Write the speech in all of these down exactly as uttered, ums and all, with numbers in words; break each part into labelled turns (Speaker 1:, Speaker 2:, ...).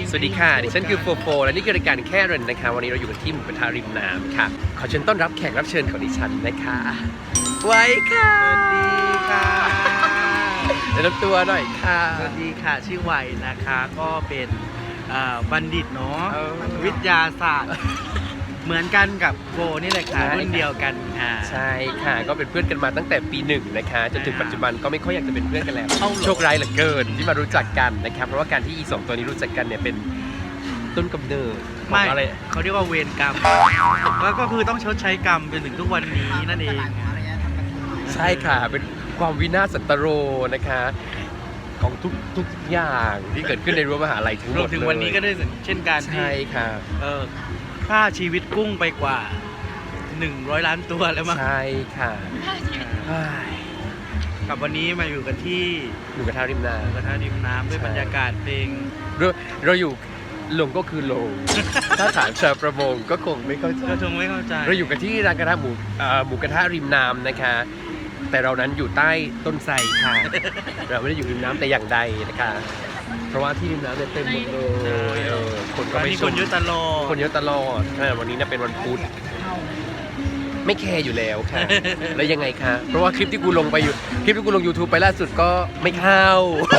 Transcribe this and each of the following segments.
Speaker 1: สวัสดีค่ะดิฉันคือโฟโฟและนี่คือรายการแค่เรนนะคะวันนี้เราอยู่กันที่หมู่กระทะริมน้ำค่ะขอเชิญต้อนรับแขกรับเชิญของดิฉันนะคะไว้ค่ะ
Speaker 2: สวัสดีค่ะ
Speaker 1: แนะนำตัวหน่อยค่ะ
Speaker 2: สวัสดีค่ะชื่อไวนะคะก็เป็นบัณฑิตเนาะ
Speaker 1: เออ
Speaker 2: วิทยาศาสตร์ เหมือนกันกับโบนี่แหละค่ะ
Speaker 1: ใช่
Speaker 2: รุ่นเดียวกันค่ะ
Speaker 1: ใช่ค่ะก็เป็นเพื่อนกันมาตั้งแต่ปีหนึ่งนะคะจนถึงปัจจุบันก็ไม่ค่อยอยากจะเป็นเพื่อนกันแล้ว
Speaker 2: เอ้าเหรอ
Speaker 1: โชคร้ายเหลือเกินที่มารู้จักกันนะครับเพราะว่าการที่อีสองตัวนี้รู้จักกันเนี่ยเป็นต้นกำเนิดของ
Speaker 2: ไม่
Speaker 1: อะไร
Speaker 2: เขาเรียกว่าเวรกรรมแล้วก็คือต้องชดใช้กรรมจนถึงทุกวันนี้นั่นเอง
Speaker 1: ใช่ค่ะเป็นความวินาศสันตโรนะคะของทุกทุกอย่างที่เกิดขึ้นในรั้วมหาลัยทั้งหม
Speaker 2: ร
Speaker 1: ด
Speaker 2: วมถึงวันนี้ก็ด้วยเช่นกันที่
Speaker 1: ใช่ค่ะ
Speaker 2: เออค่าชีวิตกุ้งไปกว่าหนึ่งร้อยล้านตัวแล้วมั้ง
Speaker 1: ใช่ค่ะเฮ้ย
Speaker 2: กับวันนี้มาอยู่กันที่
Speaker 1: หมูกระทะริมน้
Speaker 2: กระทะริมน้ำด้วย
Speaker 1: ใช่
Speaker 2: บรรยากาศเพลง
Speaker 1: ำเราเราอยู่ลงก็คือลง ถ้าถามชาวประมงก็คงไม่เข้าใจ
Speaker 2: ก็ชงไม่เข้าใจ
Speaker 1: เราอยู่กันที่ร้านกระทะหมูเอ่อหมูกระทะริมน้ำนะคะ แต่เรานั้นอยู่ใต้ต้นไทรค่ะ เราไม่ได้อยู่ริมน้ำแต่อย่างใดนะคะ เพราะว่าที่ริมน้ำเนี่ยเต็มหมดเลยเออคนก็
Speaker 2: วัน
Speaker 1: ไป
Speaker 2: นี้
Speaker 1: ช
Speaker 2: ค
Speaker 1: ม
Speaker 2: นเยอะตลอด
Speaker 1: คนเยอะตลอดเออวันนี้น่ะเป็นวันพุธไม่แคร์อยู่แล้วค่ะ แล้วยังไงคะ เพราะว่าคลิปที่กูลงไปอยู่ คลิปที่กูลง YouTube ไปล่าสุดก็ไม่เข้า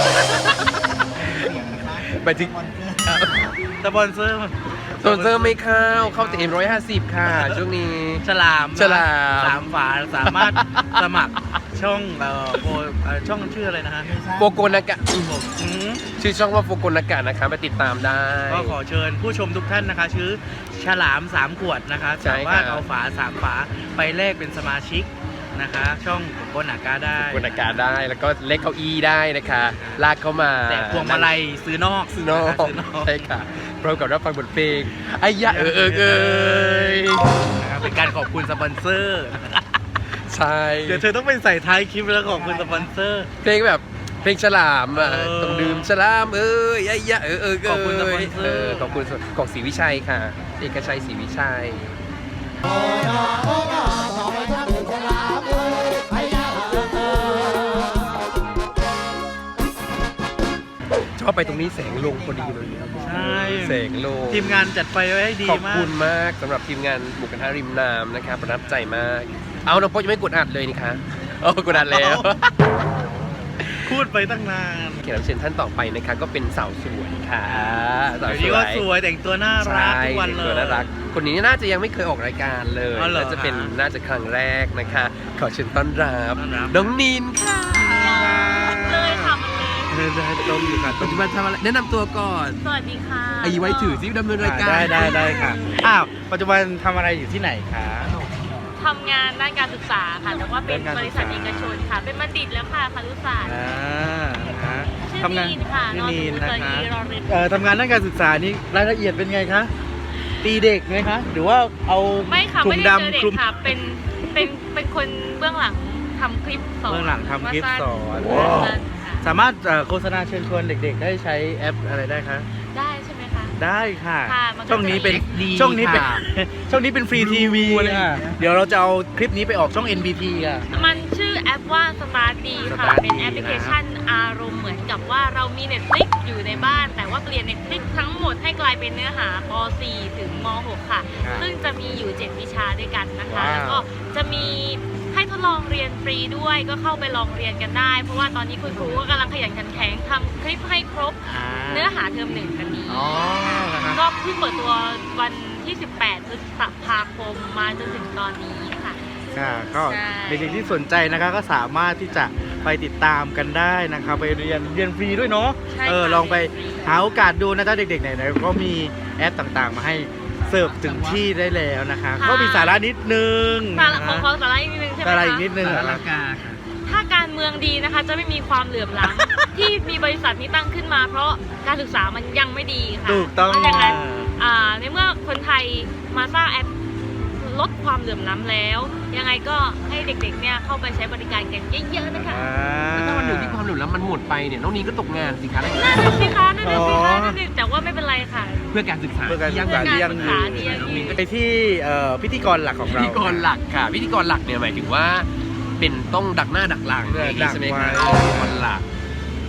Speaker 1: ไปถึง
Speaker 2: สปอนเซอร์
Speaker 1: โซนเซอร์ไม่เข้า เข้าแต่เอ็มร้อยห้าสิบค่ะ ช่วงนี้
Speaker 2: ฉลาม
Speaker 1: ฉลาม
Speaker 2: สามฝาสามารถสมัครช่องเอ่อโปรเอ่อช่องชื่ออะไรนะฮะ
Speaker 1: โฟโกนากะ
Speaker 2: อืม
Speaker 1: ชื่อช่องว่าโฟโกนากะนะคะไปติดตามได้
Speaker 2: ก็ขอเชิญผู้ชมทุกท่านนะคะ ชื่อฉลามสามขวดนะคะ
Speaker 1: ใช่
Speaker 2: สา
Speaker 1: ครับ
Speaker 2: มารถเอาฝาสามฝาไปแลกเป็นสมาชิกนะคะ ช่องโกนากาได้
Speaker 1: โฟโกนากะได้ แล้วก็เล็กเก้าอี้ได้นะคะ ลากเข้ามา
Speaker 2: แต่พวงมาลัยซื้อนอก
Speaker 1: ซื้อนอก
Speaker 2: ะคะซื้อนอก
Speaker 1: ใช่ค่ะพร้อมกับรับฟังบทเพลงไอ้ยะเออเออเอย
Speaker 2: นะครับเป็นการขอบคุณสปอนเซอร์
Speaker 1: ใช่
Speaker 2: เดี๋ยวเธอต้องไปใส่ท้ายคลิปแล้วขอบคุณสปอนเซอร์
Speaker 1: เพลงแบบเพลงฉลามอ่ะ
Speaker 2: เออ
Speaker 1: ต้องดื่มฉลามเอ้ยไอ้ยะเออเออเย
Speaker 2: ขอบคุณสปอนเซอร์
Speaker 1: ขอบคุณของศรีวิชัยค่ะ เอกชัยศรีวิชัยชอบไปตรงนี้แสงลงพอดีเลย
Speaker 2: ใช่
Speaker 1: แสงลง
Speaker 2: ทีมงานจัดไฟไว้ให้ดี
Speaker 1: ขอบ
Speaker 2: มา
Speaker 1: คุ
Speaker 2: ก
Speaker 1: ณมากสำหรับทีมงานหมูกระทะริมน้ำนะครับประทับใจมาก เอาน้องโป๊ะยังไม่กดอัดเลยนี่คะโอ้กดอัดแล้ว
Speaker 2: พูดไปตั้งนาน
Speaker 1: แขกรับเชิญท่านต่อไปนะคะก็เป็นสาวสวยค่ะสาว
Speaker 2: เดี๋ยว
Speaker 1: ส
Speaker 2: นี้
Speaker 1: ว
Speaker 2: ก็
Speaker 1: ย
Speaker 2: สวยแต่งตัวน่ารัก
Speaker 1: ใช่
Speaker 2: ทุกวันเลย
Speaker 1: ตัวน่ารัก คนนี้น่าจะยังไม่เคยออกรายการเลย
Speaker 2: อ๋อเหรอ
Speaker 1: น่าจะเป็น
Speaker 2: ฮะ
Speaker 1: น่าจะครั้งแรกนะคะ ขอเชิญต้อนรับ
Speaker 2: ต้อนรับ
Speaker 1: น้องนินค่ะ
Speaker 3: เลยค่ะมันเลย
Speaker 2: เดินตรงอยู่ค่ะ
Speaker 1: ปัจจุบันทำอะไรแนะนำตัวก่อน
Speaker 3: สวัสดีค่ะ
Speaker 1: ไอ้ไว้ถือซิดำเนินรายการ
Speaker 2: ได้ได้ได้ค่ะอ้าวปัจจุบันทำอะไรอยู่ที่ไหนคะ
Speaker 3: ทำงานด้านการศึกษาค่ะ แต่ว่าเป็น
Speaker 2: ด้านการ
Speaker 3: บ
Speaker 2: ศึ
Speaker 3: ริ
Speaker 2: ก
Speaker 3: ษั
Speaker 2: ษา
Speaker 3: ทเอกชนค่ะ เป็นบัณฑิตแล้วค่ะคารุศาสตร์
Speaker 2: อ่าฮะ
Speaker 3: ชื่อ
Speaker 2: ทำงาน
Speaker 3: นีนค่ะ
Speaker 2: ชื่
Speaker 3: น
Speaker 2: อ
Speaker 3: อน
Speaker 2: นีน
Speaker 3: ส
Speaker 2: นะ
Speaker 3: มุทร
Speaker 2: คะ
Speaker 3: รอเรน
Speaker 2: เอ่อทำงานด้านการศึกษานี่รายละเอียดเป็นไงคะตีเด็กไหมคะหรือว่าเอา
Speaker 3: ไม่ค่ะ
Speaker 2: ถุ
Speaker 3: ไม่
Speaker 2: ง
Speaker 3: ได้เจอ
Speaker 2: ดำ
Speaker 3: เด็
Speaker 2: ค
Speaker 3: ก
Speaker 2: ลุม
Speaker 3: ค่ะ เป็น เป็น เป็นคนเบื้องหลังทำคลิปสอน
Speaker 2: เบื้องหลังทำคลิปสอน
Speaker 3: ว่าสั้นค่ะ
Speaker 2: สามารถเอ่อโฆษณาเชิญชวนเด็กๆ ได้ใช้แอปอะไรได้คะ
Speaker 3: ได้ใช่ไหมคะ
Speaker 2: ได้ค่ะ
Speaker 3: ค่ะมันก็
Speaker 2: ช่องนี้เป็น
Speaker 3: จะมี
Speaker 2: ช่องนี้เป็น
Speaker 1: ค่ะ
Speaker 2: ช่องนี้เป็นฟรีทีวี
Speaker 1: อะไรอย่าง
Speaker 2: ค่ะ
Speaker 1: เงี้ย
Speaker 2: เดี๋ยวเราจะเอาคลิปนี้ไปออกช่อง เอ็น บี ที ค่ะ
Speaker 3: มันชื่อแอปว่า Start ดีค่ะ
Speaker 2: Start
Speaker 3: เป็น
Speaker 2: ดี
Speaker 3: แอปพลิเคชันอารมณ์เหมือนกับว่าเรามี Netflix อยู่ในบ้าน แต่ว่าเปลี่ยน Netflix ทั้งหมดให้กลายเป็นเนื้อหาป .สี่ ถึงม .หก ค่ะ
Speaker 2: ครับ
Speaker 3: ซึ่งจะมีอยู่ เจ็ด วิชาด้วยกันนะคะ
Speaker 2: ว้าว
Speaker 3: แล้วก็จะมีให้ทดลองเรียนฟรีด้วย ก็เข้าไปลองเรียนกันได้ เพราะว่าตอนนี้คุณครูก็กำลังขยันขันแข็งทำคลิปให้ครบ
Speaker 2: อ่า
Speaker 3: เนื้อหาเทอมหนึ่งกันนี้
Speaker 2: อ๋อนะคะ
Speaker 3: ก็เพิ่งเปิดตัววันที่ สิบแปด พฤษภาคมมาจนถึงตอนนี้ค่ะ
Speaker 2: ค่ะก็
Speaker 3: ใช่
Speaker 2: เด็กๆที่สนใจนะคะก็สามารถที่จะไปติดตามกันได้นะคะไปเรียนเรียนฟรีด้วยเนาะ
Speaker 3: ใช่
Speaker 2: เออ
Speaker 3: ค่ะ
Speaker 2: ลองไป
Speaker 3: เรียนฟรี
Speaker 2: หาโอกาสดูนะจ๊ะเด็กๆไหนๆก็มีแอปต่างๆ มาให้เสิร์ฟถึงที่ได้แล้วนะคะ
Speaker 3: ค่ะ
Speaker 2: ก็มีสาระนิดนึง
Speaker 3: สาระ
Speaker 2: นะ
Speaker 3: ขอ
Speaker 2: คะ
Speaker 3: ขอสาระอีกนิดนึงใช่ไหม
Speaker 2: สาระ
Speaker 3: คะ
Speaker 2: อีกนิดนึง
Speaker 1: สา
Speaker 2: นะ
Speaker 1: ระ
Speaker 2: คะ
Speaker 3: ถ้าการเมืองดีนะคะจะไม่มีความเหลื่อมล้ำ ที่มีบริษัทนี้ตั้งขึ้นมา เพราะการศึกษามันยังไม่ดีค่ะ
Speaker 2: ถูกต้อง
Speaker 3: เพราะฉะนั้นอ่าในเมื่อคนไทยมาสร้างแอปลดความเหลื่อมล้ำแล้ว ยังไงก็ให้เด็กๆเนี่ยเข้าไปใช้บริการกันเยอะๆนะคะ
Speaker 2: อ่า
Speaker 1: ถ้าวันหนึ่งที่ความเหลื่อมล้ำมันหมดไปเนี่ยน้องนีนก็ตกงานสิคะได้ไง
Speaker 3: นั่นน่ะสิคะนั่นน่ะสิ
Speaker 2: อ๋
Speaker 3: คะ
Speaker 2: อ
Speaker 3: นั่นน่ะแต่ว่าไม่เป็นไรค่ะ
Speaker 1: เพื่อการศึกษา
Speaker 2: เพื่อการศึก
Speaker 1: ที่
Speaker 2: ษา
Speaker 1: ยั่ง
Speaker 2: ที่
Speaker 1: ยื
Speaker 2: ยัง
Speaker 1: น
Speaker 2: อยู่
Speaker 3: การศึกษาที่ยั่งยืน
Speaker 2: ไปที่เอ่อพิธีกรหลักของ
Speaker 1: พิ
Speaker 2: เรา
Speaker 1: ธีกรหลักค่ะพิธีกรหลักเนี่ยหมายถึงว่าเป็นต้องดักหน้าดักหลัง
Speaker 2: เออ
Speaker 1: อย่างนี้ใช่ไหมคะ
Speaker 2: ดักไว้
Speaker 1: พิธีกรหลัก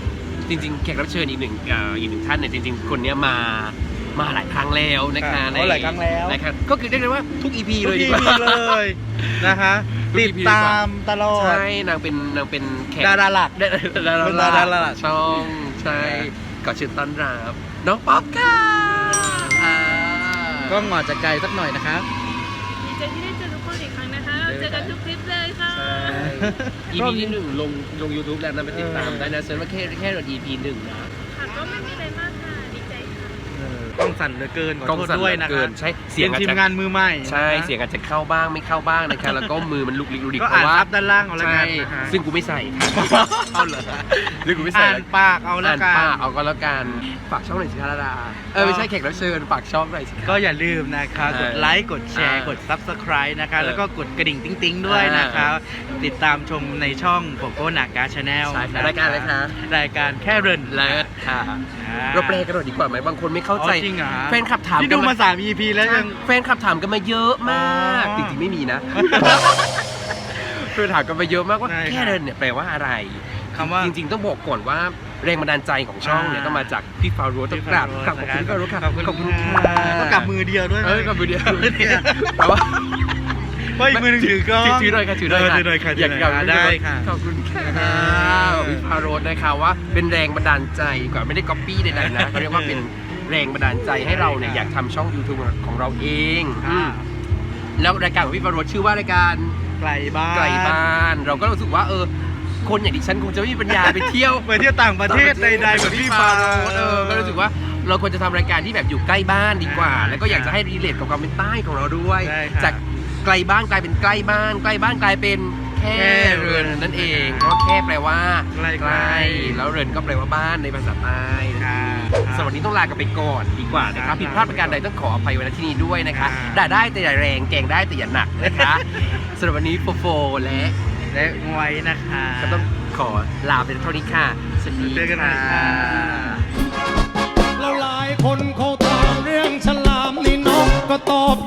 Speaker 1: จริงๆแขกรับเชิญอีกหนึ่งเอ่ออีกหนึ่งท่านเนี่ยจริงๆคนเนี้ยมามาหลายครั้งแล้วนะคะ
Speaker 2: ค่ะ
Speaker 1: ใน
Speaker 2: โอ้หลายครั้งแล้ว
Speaker 1: นะครับก็คือเรียกได้ว่าทุก อี พี
Speaker 2: ทุ
Speaker 1: เล
Speaker 2: ก
Speaker 1: ย
Speaker 2: ที
Speaker 1: ดีกว่า
Speaker 2: มีเลยนะคะ
Speaker 1: ทุก
Speaker 2: ติ
Speaker 1: อี
Speaker 2: ด
Speaker 1: พี
Speaker 2: ตามตลอด
Speaker 1: ใช่นางเป็นนางเป็นแขก
Speaker 2: ดาราหลัก
Speaker 1: ดาดารา
Speaker 2: เป็นดาราหลัก
Speaker 1: ช่องใช่ก็เชิญต้อนรับน้องป๊อปค่ะอ่า
Speaker 2: ก็หงอจากไกลสักหน่อยนะครับ
Speaker 3: ดีใจที่ได้เจอทุกคนอีกครั้งนะคะ เจอกันทุกคลิปเลยค่ะ
Speaker 1: ใช่ อี พี ที่หนึ่งลงลง YouTube แล้วนะไปติดตามได้นะเซิร์ชว่าแค่แค่โดน อี พี หนึ่งนะ
Speaker 3: ค่ะก็ไม่มีอะไรมากค่ะ ดีใจค่ะ
Speaker 2: กล้องสั่นเหลือเกินขอก
Speaker 1: ล้อง
Speaker 2: โทษ
Speaker 1: สั่น
Speaker 2: ด้วย
Speaker 1: เหลื
Speaker 2: นะ
Speaker 1: อเกิ
Speaker 2: คะ
Speaker 1: นใช่
Speaker 2: เสี
Speaker 1: เสี
Speaker 2: ย
Speaker 1: ย
Speaker 2: ง
Speaker 1: งอาจ
Speaker 2: ทีม
Speaker 1: จะ
Speaker 2: งานมือใหม่
Speaker 1: ใช่
Speaker 2: นะคะ
Speaker 1: เสียงอาจจะเข้าบ้างไม่เข้าบ้างนะคะแล้วก็มือมันลุกลิกลุกลิก
Speaker 2: ก็
Speaker 1: เพ
Speaker 2: อ่าน
Speaker 1: ราะว่า
Speaker 2: ซับด้านล่างเอาแล้วกั
Speaker 1: ใช่
Speaker 2: นนะคะ
Speaker 1: ซึ่งกูไม่ใส่เอาเหรอซึ่งกูไม่ใส่
Speaker 2: อ่านปากเอาแล้ว
Speaker 1: อ่าน
Speaker 2: กัน
Speaker 1: ป้าเอาก็แล้วกันฝากช่องหน่อยสิคะดาราเออไม่ใช่แขกรับเชิญฝากช่องหน่อยสิคะ
Speaker 2: ก็อย่าลืมนะคะ
Speaker 1: เออก
Speaker 2: ดไลค์กดแชร์
Speaker 1: อ่าก
Speaker 2: ด ซับสไครบ์ นะคะ
Speaker 1: เออ
Speaker 2: แล้วก็กดกระดิ่งติ๊งๆด้วยนะคะ ติดตามชมในช่องโกโก้นากาชาแนล
Speaker 1: ใช่ค่ะรายการอะไรคะ
Speaker 2: รายการแค่เริน
Speaker 1: เลิศค่ะ
Speaker 2: อ่า
Speaker 1: เราแปลกันหน่อยดีกว่าไหมบางคนไม่เข้าใจ
Speaker 2: อ๋อจริงเหรอฮะ
Speaker 1: แฟนคลับถาม
Speaker 2: ที่
Speaker 1: กั
Speaker 2: ดู
Speaker 1: น
Speaker 2: มาสาม อี พี แล้วยัง
Speaker 1: แฟนคลับถามกันมาเยอะมาก
Speaker 2: อ๋อ
Speaker 1: จริงๆไม่มีนะแฟนถามกันมาเยอะมากว่า
Speaker 2: ใช่ครับ
Speaker 1: แค่เดินเนี่ยแปลว่าอะไร
Speaker 2: คำว่า
Speaker 1: จริงๆต้องบอกก่อนว่าแรงบันดาลใจของช่องเนี่ย
Speaker 2: อ่า
Speaker 1: ก็มาจากพี่ฟาโรห์ต้องกราบกราบขอบคุณพี่ฟาโรห์ค่ะ
Speaker 2: ขอบคุณ
Speaker 1: ขอบคุณ
Speaker 2: ค่ะ
Speaker 1: ค่ะ
Speaker 2: ก็กลับมือเดียวด้วยนะ
Speaker 1: เออกลับมือเดียว
Speaker 2: เนี่ย
Speaker 1: แต่ว่า
Speaker 2: เพราะอีกมือหนึงถือกล้อง
Speaker 1: ถือหน่อยค่ะถือหน่อย
Speaker 2: เถือหน่อยค่ะ
Speaker 1: อยาก
Speaker 2: ถื
Speaker 1: กลับ
Speaker 2: หน่อยได้ค่ะ
Speaker 1: ขอบคุณค่ะพี่ฟาโรห์นะคะว่าเป็นแรงบันดาลใจกว่าไม่ได้ก๊อปปี้ใดๆนะเขาเรียกว่าเป็นแรงบันดาลใจให้เราเนี่ยอยากทำช่อง YouTube ของเราเองอืมแล้วรายการของพี่ฟาโรห์ชื่อว่ารายการ
Speaker 2: ไกลบ้าน
Speaker 1: ไกลบ้านเราก็รู้สึกว่าเออคนอย่างดิฉันคงจะไม่มีปัญญาไปเที่ยว
Speaker 2: ไปเที่ยวต่างประเทศใดๆแบบพี่ฟาโรห์
Speaker 1: เออก็รู้สึกว่าเราควรจะทำรายการที่แบบอยู่ใกล้บ้านดีกว่า
Speaker 2: อ่า
Speaker 1: แล้วก็อยากจะให้รีเลทกับความเป็นใต้ของเราด้วย
Speaker 2: ใช่ครับ
Speaker 1: จากไกลบ้านกลายเป็นใกล้บ้าน ใกล้บ้านกลายเป็นแค่เรือนนั่นเองเพราะแค่แปลว่า
Speaker 2: ใกล้ๆ
Speaker 1: แล้วเรือนก็แปลว่าบ้านในภาษาใต้
Speaker 2: ค่ะ
Speaker 1: สำหรับวันนี้ต้องลากันไปก่อนดีกว่านะค
Speaker 2: ครั
Speaker 1: รับบ ผิดพลาดประการใดต้องขออภัยไว้ณที่นี้ด้วยนะคะ
Speaker 2: อ่า
Speaker 1: ด่าได้แต่อย่าแรงแกล้งได้แต่อย่าหนักนะคะสำหรับวันนี้โฟโฟและ
Speaker 2: และงวยนะคะ
Speaker 1: ก็ต้องขอลาเป็นเท่านี้ค่ะ สวัสดี
Speaker 2: เจอกันใหม่
Speaker 1: ค่ะ
Speaker 2: ค่ะ
Speaker 4: แล้วหลายคนเขาถามเรื่องฉลามนี่นกก็ตอบ